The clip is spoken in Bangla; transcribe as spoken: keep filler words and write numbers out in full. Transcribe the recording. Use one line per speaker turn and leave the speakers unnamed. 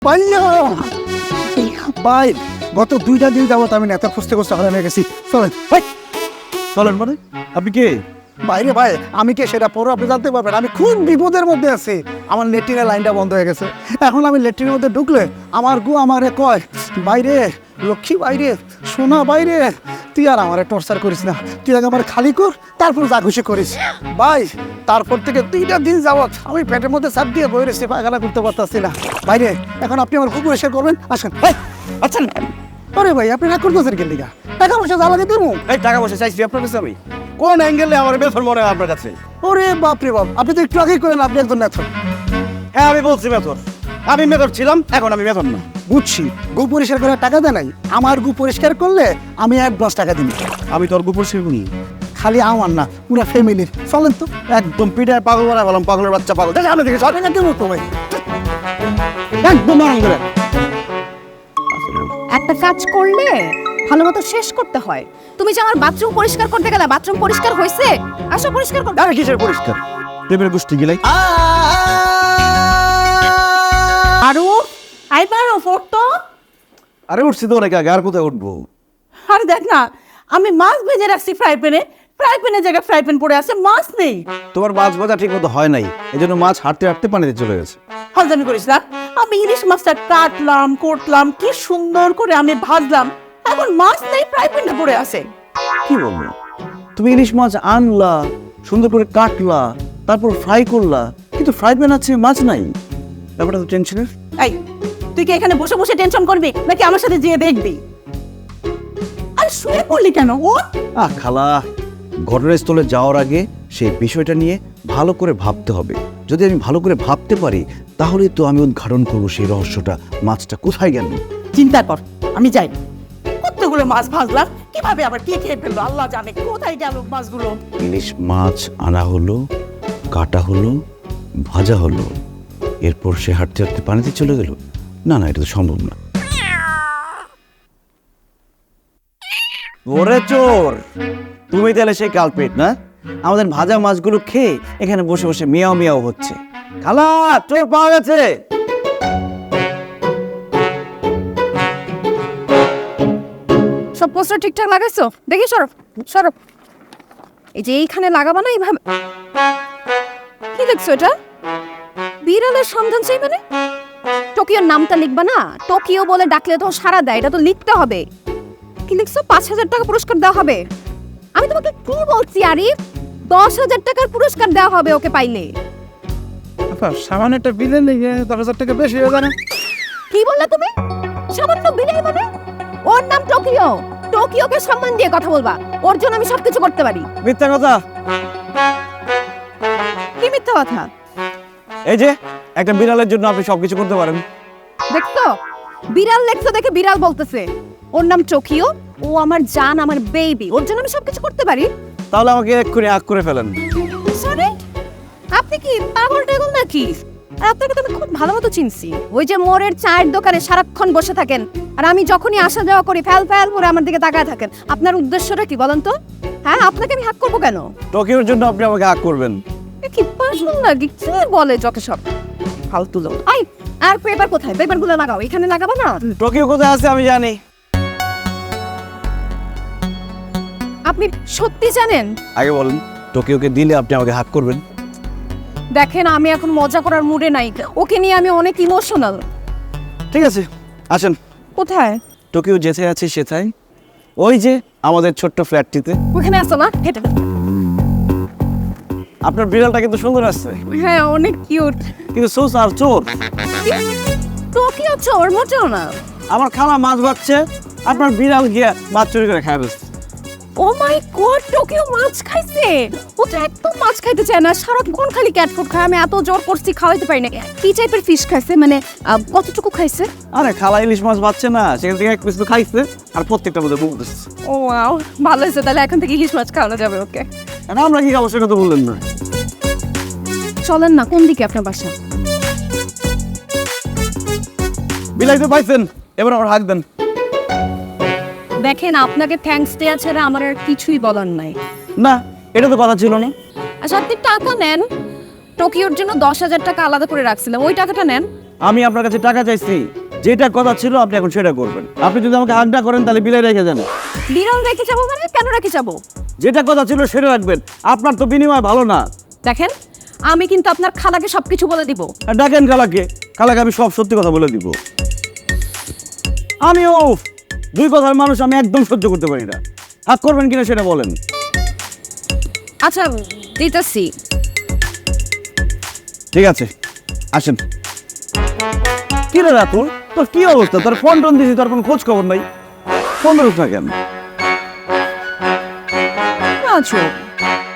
ভাই গত দুইটা দিন যাবত আমি নেতা খুঁজতে খুঁজতে হারানো গেছি। চলেন ভাই,
চলেন। মানে আপনি কে?
বাইরে ভাই আমি কে সেটা পরে আপনি জানতে পারবেন। আমি খুব বিপদের মধ্যে আছি। আমার লেট্রিনের লাইনটা বন্ধ হয়ে গেছে। এখন আমি লেট্রিনের মধ্যে ঢুকলে আমার গু আমারে কয়, বাইরে লক্ষ্মী, বাইরে সোনা, বাইরে তুই আর আমারে টর্চার করিস না, তুই আগে আমার খালি কর, তারপর যা খুশি করিস। ভাই তারপর থেকে দুইটা দিন যাবত আমি পেটের মধ্যে চাপ দিয়ে বই রেছি, পায়খানা করতে পারতাছি না। বাইরে এখন আপনি আমার খুব পরিষ্কার করবেন, আসেন ভাই। আচ্ছা আরে ভাই আপনি রাগ করতেছেন কেন? লিগা টাকা পয়সা জ্বালাতে দেবো?
এই টাকা পয়সা চাইছি আপনার কাছে আমি? কোন অ্যাঙ্গেলে আমার বেতন মনে হয় আপনার কাছে?
ওরে বাপরে বাপ, আপনি তো একটু আগেই করেন আপনি একজন নেতা।
হ্যাঁ আমি বলছি মেথর, আমি মেথর ছিলাম, এখন আমি মেথর না।
বুঝছি, গু পরিষ্কার করার টাকা দেয় নাই। আমার গু পরিষ্কার করলে আমি অ্যাডভান্স টাকা দিই।
আমি তোর গুপুর শিখুনি,
খালি আমার না, পুরো ফ্যামিলির। চলেন তো।
একদম পিঠায় পাগল বানায় বললাম, পাগলের বাচ্চা পাগল। দেখে আমি দেখে চল
না কেমন তো ভাই,
একদম আরাম করে।
একটা কাজ করলে ভালো মতো শেষ করতে হয়। তুমি যে আমার বাথরুম পরিষ্কার করতে গেলে, বাথরুম পরিষ্কার হয়েছে? আসো পরিষ্কার করতে।
আরে কিসের পরিষ্কার? প্রেমের গোষ্ঠী গিলাই।
আরো আইবারও ফটো।
আরে উঠছি তো অনেক আগে, আর কোথায় উঠবো?
আরে দেখ না, আমি মাছ ভেজে রাখছি ফ্রাই প্যানে, ফ্রাই প্যানের জায়গায় ফ্রাই প্যান পড়ে আছে, মাছ নেই।
তোমার মাছ ভাজা ঠিক মতো হয় নাই, এই জন্য মাছ হাঁটতে হাঁটতে পানিতে চলে গেছে।
হাজামি করিস না। আমি ইলিশ মাছটা কাটলাম, কোটলাম, কি সুন্দর করে আমি ভাজলাম, এখন মাছ নেই, ফ্রাই প্যানে পড়ে আছে।
কি বলবো, তুমি ইলিশ মাছ আনলা, সুন্দর করে কাটলা, তারপর ফ্রাই করলা, কিন্তু ফ্রাই প্যান আছে, মাছ নাই। ব্যাপারটা তো টেনশনের।
এই তুই কি এখানে বসে বসে টেনশন করবি নাকি আমার সাথে যেয়ে দেখবি? আরে শুয়ে পড়লি কেন? ও
আহ খালা, ঘটনাস্থলে যাওয়ার আগে সেই বিষয়টা নিয়ে ভালো করে ভাবতে হবে। যদি আমি ভালো করে ভাবতে পারি তাহলে তো আমি উদ্ঘাটন করবো সেই রহস্যটা, মাছটা কোথায় গেল।
চিন্তা কর, আমি যাই। কতগুলো মাছ ভাজলাম, কিভাবে আবার কে খেয়ে ফেললো আল্লাহ জানে। কোথায় গেল মাছগুলো?
ইলিশ মাছ আনা হলো, কাটা হলো, ভাজা হলো, এরপর সে হাঁটতে হাঁটতে পানিতে চলে গেল। না না, এটা তো সম্ভব না। ওরে চোর, তুমি তাহলে সেই কালপেট না? আমাদের ভাজা মাছগুলো খেয়ে এখানে বসে বসে মিয়াও মিয়াও হচ্ছে। খালা, চোর পাওয়া গেছে।
সব পোস্টার ঠিকঠাক লাগাইছো? দেখি সরব সরব। এই যে এইখানে লাগাবা না এইভাবে। কি লিখছো এটা? বিড়ালের সন্ধান চাই মানে? টোকিওর নামটা লিখবা না? টোকিও বলে ডাকলে তো সারা দেয়, এটা তো লিখতে হবে। কি লিখছো? পাঁচ হাজার টাকা পুরস্কার দেওয়া হবে। আমি তোমাকে কি বলছি আরিফ? দশ হাজার টাকার পুরস্কার দেওয়া হবে ওকে পাইলে।
সামান্য একটা বিলে নিয়ে দশ হাজার টাকা বেশি হয়ে যায় না?
কি বললে তুমি? সামান্য বিলাই মানে? ওর নাম টোকিও, টোকিওকে সম্মান দিয়ে কথা বলবা। ওর জন্য আমি সবকিছু করতে পারি।
মিথ্যা কথা।
কি মিথ্যা কথা?
এই যে একটা বিড়ালের জন্য আপনি সবকিছু করতে পারেন।
দেখছো, বিড়াল লেখছো দেখে বিড়াল বলতেছে। ওর নাম টোকিও, ও আমার জান, আমার বেবি, ওর জন্য আমি সবকিছু করতে পারি।
তাহলে আমাকে এক্ষুনি হাক করে ফেলেন।
সরি, আপনি কি পাগল টাগল নাকি? আর আপনাকে তো আমি খুব ভালো মতো চিনছি। ওই যে মোড়ের চায়ের দোকানে সারাক্ষণ বসে থাকেন, আর আমি যখনই আসা যাওয়া করি ফ্যাল ফ্যাল করে আমার দিকে তাকায় থাকেন। আপনার উদ্দেশ্যটা কি বলেন তো? হ্যাঁ, আপনাকে আমি হাক করবো কেন?
টোকিওর জন্য আপনি আমাকে হাক করবেন?
এ কি পাগল নাকি? কি বলে যত সব ফালতু লোক। আই, আর পেপার কোথায়? পেপারগুলো লাগাও, এখানে লাগাবো না?
টোকিও কোথায় আছে আমি জানি।
আপনি সত্যি জানেন?
আগে বলেন, টোকিওকে দিলে আপনি আমাকে হাক করবেন?
দেখেন, আমি এখন মজা করার মুডে নাই। ওকে নিয়ে আমি অনেক ইমোশনাল।
ঠিক আছে, আসেন।
কোথায়?
টোকিও যেতে আছে সেথায়, ওই যে আমাদের ছোট্ট ফ্ল্যাটটিতে।
ওখানে আসো না, হেঁটে।
আপনার বিড়ালটা কিন্তু সুন্দর আসছে।
হ্যাঁ, অনেক কিউট।
কিন্তু সোস আর চোর।
টোকিও চোর মোটেও না।
আমার খালা মাছ ভাজছে, আপনার বিড়াল গিয়ে মাছ চুরি করে খায় ফেলছে।
ও মাই গড, টোকিও মাছ খাইছে? ও তো একদম মাছ খাইতে চায় না, সারাক্ষণ খালি ক্যাট ফুড খায়। আমি এত জোর করছি, খাওয়াইতে পারি না। কি টাইপের ফিশ খাইছে মানে? কতটুকু খাইছে?
আরে খালা ইলিশ মাছ ভাজছে না, সেখান থেকে এক পিস তো খাইছে, আর প্রত্যেকটা মধ্যে মুখ দিচ্ছে।
ও ওয়াও, ভালো হয়েছে। তাহলে এখন থেকে ইলিশ মাছ খাওয়ানো যাবে ওকে।
না আমরা কি খাবো সেটা তো বললেন না।
চলেন না, কোন দিকে আপনার বাসা?
বিলাই তো পাইছেন, এবার আমার হাক দেন।
দেখেন, আপনাকে থ্যাঙ্কস দেয়া ছাড়া আমার আর কিছুই বলার নাই।
না, এটা তো কথা ছিল না।
আচ্ছা, আপনি টাকা নেন। টোকিওর জন্য দশ হাজার টাকা আলাদা করে রাখছিলাম, ওই টাকাটা নেন।
আমি আপনার কাছে টাকা চাইছি, যেটা কথা ছিল আপনি এখন সেটা করবেন। আপনি যদি আমাকে হাগডা করেন তাহলে বিলাই রেখে যান।
বিড়াল রেখে যাবো মানে কেন রেখে যাবো?
যেটা কথা ছিল সেটা রাখবেন, আপনার তো বিনিময় ভালো না।
দেখেন, আমি কিন্তু আপনার খালাকে সবকিছু বলে দিব।
আর ডাকেন খালাকে, খালাকে আমি সব সত্যি কথা বলে দিব। আমিও দুই কথার মানুষ, আমি একদম সহ্য করতে পারি না। হাক করবেন কিনা সেটা বলেন।
আচ্ছা দিতেছি।
ঠিক আছে, আসেন। কি রে রাতুল, তোর কি অবস্থা? তোর ফোন টোন দিছি, তোর কোনো খোঁজ খবর নাই। ফোন ধরুস না কেন?
আচ্ছা